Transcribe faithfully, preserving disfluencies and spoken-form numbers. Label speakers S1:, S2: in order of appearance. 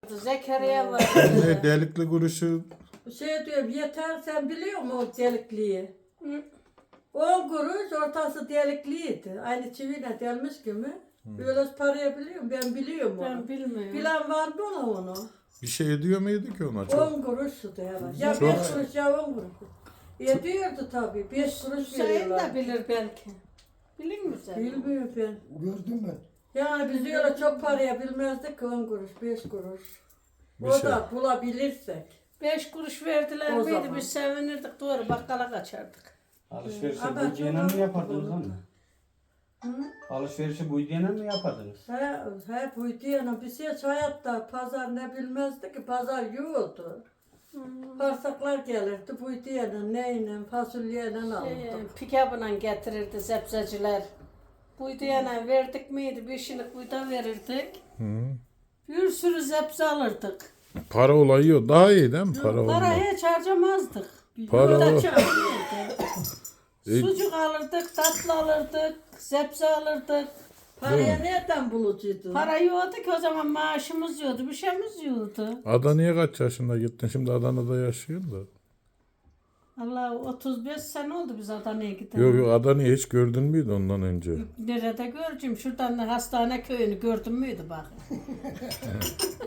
S1: Zekeriya var.
S2: Ne delikli kuruşu
S3: Şey diyorum yeter sen biliyor musun o delikliği?
S1: Hı.
S3: On kuruş ortası delikliydi. Aynı çiviyle delmiş gibi. Böyle parayı biliyorum ben biliyorum onu.
S1: Ben bilmiyorum.
S3: Bilen var mı ona onu?
S2: bir şey ediyor muydu ki ona çok?
S3: On kuruştu herhalde. Ya
S2: Çok.
S3: beş kuruş ya on kuruş. Ediyordu tabii. Beş kuruş
S1: Hüseyin
S3: veriyorlar.
S1: de bilir belki. Bilir misin?
S3: Bilmiyorum ben.
S4: Gördüm ben.
S3: Yani biz öyle çok paraya bilmezdik ki on kuruş, beş kuruş.
S2: Bir
S3: O
S2: şey.
S3: da bulabilirsek.
S1: Beş kuruş verdiler
S3: O
S1: miydi
S3: zaman.
S1: biz sevinirdik doğru bakkala kaçardık.
S5: Alışverişi
S3: Ama
S5: bu diyene
S3: çok
S5: mi yapardınız
S3: haklı.
S5: anne?
S3: Hı?
S5: Alışverişi bu diyene mi yapardınız?
S3: He, he buydu yani biz hiç hayatta pazar ne bilmezdi ki pazar yoktu. Parsaklar gelirdi buydu yani neyle fasulyeyle
S1: Ee,
S3: alırdık.
S1: pikabına getirirdi sebzeciler. Buydu yana verdik miydi? Bir şilik buyda verirdik.
S2: Hı.
S1: Bir sürü sebze alırdık.
S2: Para olayı yok. Daha iyi değil mi? Para
S1: Para
S2: olmak.
S1: hiç harcamazdık.
S2: Para
S1: Para
S2: o-
S1: çok iyiydi.
S2: E-
S1: Sucuk alırdık, tatlı alırdık, sebze alırdık.
S3: Paraya nereden bulucuydun?
S1: Para yoktu ki o zaman maaşımız yoktu, bir şeyimiz yoktu.
S2: Adana'ya kaç yaşında gittin? Şimdi Adana'da yaşıyorsun da.
S1: Allah otuz beş sene oldu biz Adana'ya gidelim.
S2: Yok yok Adana'yı hiç gördün müydü ondan önce?
S1: Nerede göreceğim? Şuradan da hastane köyünü gördün müydü bak.